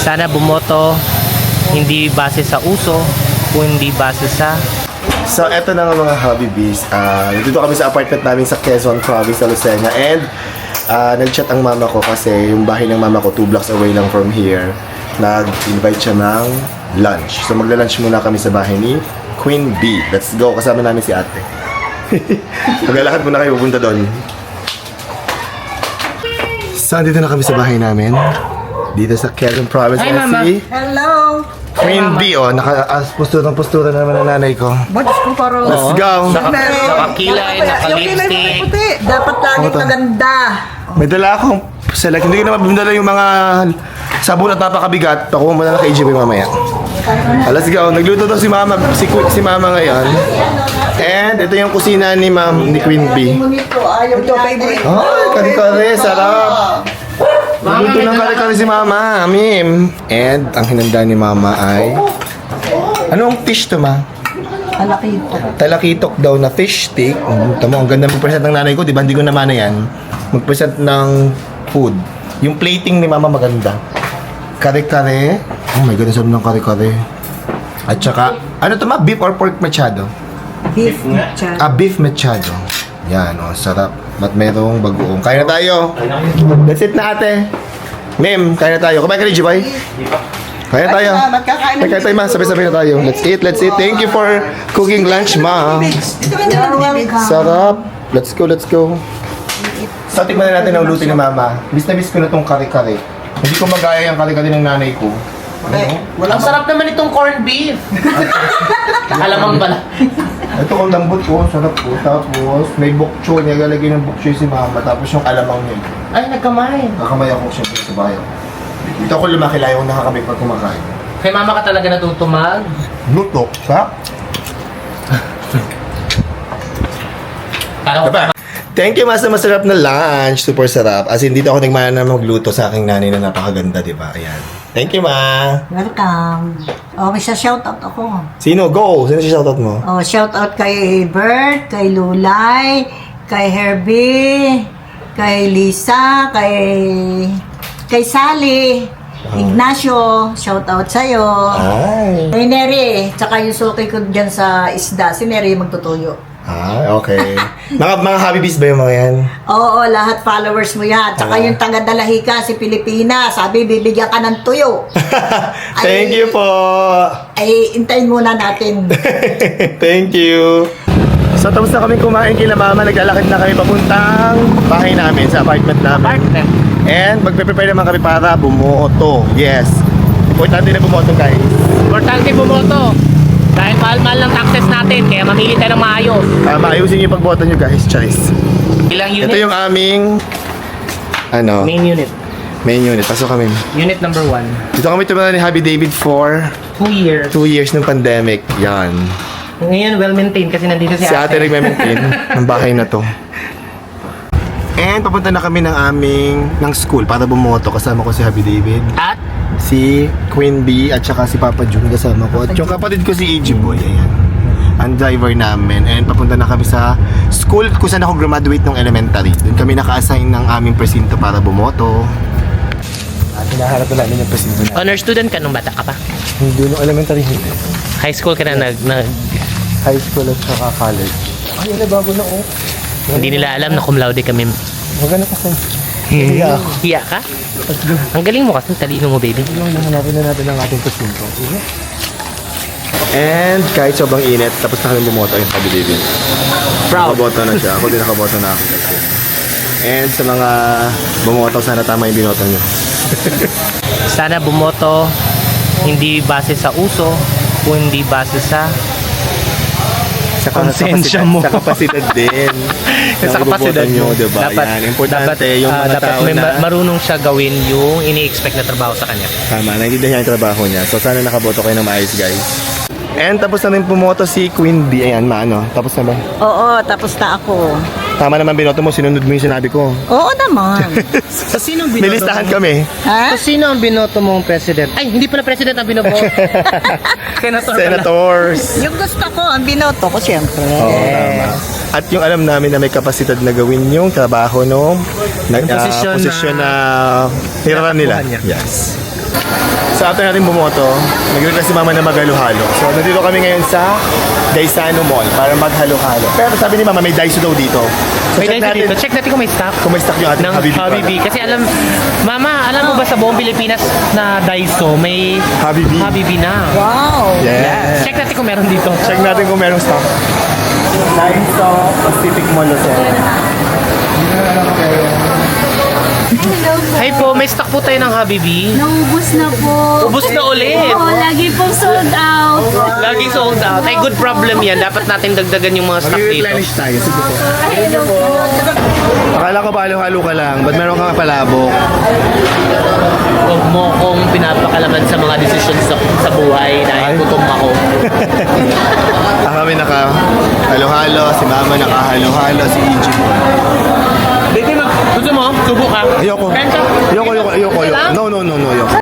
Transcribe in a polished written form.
Sana bumoto hindi base sa uso, kundi base sa... So, eto na nga mga Hobby Bees. Nandito kami sa apartment namin sa Quezon Province, sa Lucena. And, nag-chat ang mama ko kasi yung bahay ng mama ko 2 blocks away lang from here. Nag-invite siya ng lunch. So, magla-lunch muna kami sa bahay ni Queen Bee. Let's go. Kasama namin si ate. Maglalakad muna kayo, pupunta doon. So, andito na kami sa bahay namin. Dito sa Quezon Province. Hi, Mama. Hello! Queen Bee, oh. Postura naman ang nanay ko. Ba't ko parang... Let's go. Nakakilay, naka-lipstick. Dapat laging maganda. May dala akong select. Hindi ko na mabindala yung mga sabon at napakabigat. Pakuha mo na lang kay JB mamaya. Let's go. Nagluto daw si mama, si mama ngayon. And ito yung kusina ni Queen Bee. Ito favorite. Ay, kare-kare. Sarap. Nagluto ng kare-kare si mama. Mim. And ang hinanda ni mama ay... Anong fish to, ma? Alakito. Talakitok daw na fish stick. Tamo, ang ganda mag-present ng nanay ko. Di ba? Hindi ko naman na yan. Mag-present ng food. Yung plating ni mama maganda. Kare-kare. Oh my God, ang sarap ng kare-kare. At saka, ano to ma? Beef or pork machado? Beef machado. Beef machado. Yan, oh, sarap. At merong bagoong. Kaya na tayo. That's it na ate. Ma'am, kaya na tayo. Kumain ka rin, Jibay? Kaya na tayo. Kaya tayo, ma. Sabay-sabay na tayo. Let's eat, let's eat. Thank you for cooking lunch, ma. You're welcome. Sarap. Let's go, let's go. So, tikman na natin ang luto ni mama. Miss na miss ko na itong kare-kare. Hindi ko magaya yung kare-kare ng nanay ko. Ang sarap naman itong corned beef. Alamang pala. Ito ang lambot ko, sarap ko. Tapos, may bokcho. Nilalagay ng bokcho si mama. Tapos yung alamang niya. Ay, nagkamay. Kakamay ako siyempre sa bahay. Dito ako lumaki, layo akong nakakamay pag kumakain. Kay mama ka talaga natutumag. Luto, sa? Diba? Thank you, mas na masarap na lunch. Super sarap. As in, dito ako nagmana na magluto sa aking nanay na napakaganda, di ba? Ayan. Thank you, ma. Welcome. Oh, may shoutout ako. Sino? Go! Sino si shoutout mo? Oh, shoutout kay Bert, kay Lulay, kay Herbie, kay Lisa, kay Sally, Ignacio, shoutout sa'yo. Ay. Kay Neri, tsaka yung suki ko dyan sa isda, si Neri magtutuyo. Okay. mga Hobby Bees ba yung mga yan? Oo, lahat followers mo yan. Tsaka yung taga-Dalahika, si Pilipina, sabi bibigyan ka ng tuyo. Thank you po. Ay, intayin muna natin. Thank you. So, tapos na kami kumain kila mama. Naglalakad na kami papuntang bahay namin, sa apartment namin. And magpe-prepare naman kami para bumoto. Yes. Importante na bumoto, guys. Importante bumoto. Dahil mahal-mahal ng taxes natin, kaya mamili tayo ng maayos. Maayusin yung pagboto nyo, guys. Choice. Ilang unit? Ito yung aming Main unit. main unit. Pasok kami. Unit number 1. Dito kami tumala ni Happy David for 2 years. 2 years ng pandemic. Yan. Ngayon, well-maintained kasi nandito si Si ate nagme-maintain ng bahay na to. And papunta na kami ng school para bumoto. Kasama ko si Happy David, At si Queen Bee, at saka si Papa June kasama ko. At yung kapatid ko si AJ Boy, ayan. Ang driver namin. And papunta na kami sa school kung saan ako graduate ng elementary. Doon kami naka-assign ng aming presinto para bumoto. At hinaharap na namin yung presinto na. honor student ka nung bata ka pa. Hindi nung elementary, hindi. High school ka na High school at saka college. Ay, ala, bago na oh. hindi nila alam na cum laude kami. Maganda kasi. Hiya ako. Hiya ka? Ang galing mo kasi, talino mo baby. Hanapin na natin ang ating presinto. And kahit sobrang init, tapos na kami bumoto yung Happy David. Proud. Nakaboto na siya. Ako din nakaboto na ako. And sa mga bumoto, sana tama yung binoto nyo. Sana bumoto hindi base sa uso, kundi base sa konsensya mo. Sa kapasidad din. sa kapasidad nyo, mo. diba? Yan. Importante yung mga dapat tao may na marunong siya gawin yung ini-expect na trabaho sa kanya. tama, naiintindihan yung trabaho niya. So sana nakaboto kayo ng maayos, guys. And tapos na rin pumoto si Queen Bee. Ayan, maano. Tapos na ba? Oo, tapos na ako. Tama naman binoto mo, sinunod mo yung sinabi ko. Oo naman. Sa sino ang May listahan kami. Ha? Sa sino ang binoto mong president? Ay, hindi pala president ang binoto. Senator pala. Senators. Yung gusto ko, ang binoto ko, siyempre. Oo, tama. At yung alam namin na may kapasidad na gawin yung trabaho no, posisyon posisyon na hirapan nila. nakuha niya. Yes. So after natin bumoto, nag-request si Mama na maghalo-halo. So nandito kami ngayon sa Daisano Mall para maghalo-halo. Pero sabi ni Mama may Daiso daw dito. So May dahil dito. Check natin kung may stock. kung may stock yung ating Ng Habibi Habibi. product. Kasi Mama, alam mo ba sa buong Pilipinas na Daiso, may Habibi. Habibi na. Wow! Yes. Check natin kung meron dito. Check natin kung merong stock. Daiso Pacific Mall Lucena. Hey po, may stock po tayo ng Habibi. Naubos na po. Ubus na ulit. Oo, lagi pong sold out. Lagi sold out. Ay, good problem yan. Dapat natin dagdagan yung mga stock dito. Mag-replenish tayo. Sige po. Akala ko ba halo-halo ka lang? Ba't meron kang palabok? Huwag mo kong pinapakalaman sa mga decisions sa buhay dahil gutom ako. Kami naka-halo-halo, si Mama naka-halo-halo, si EJ. Dito, gusto mo? Subo ka? Ayoko. Kain ka? Ayoko. No, ayoko.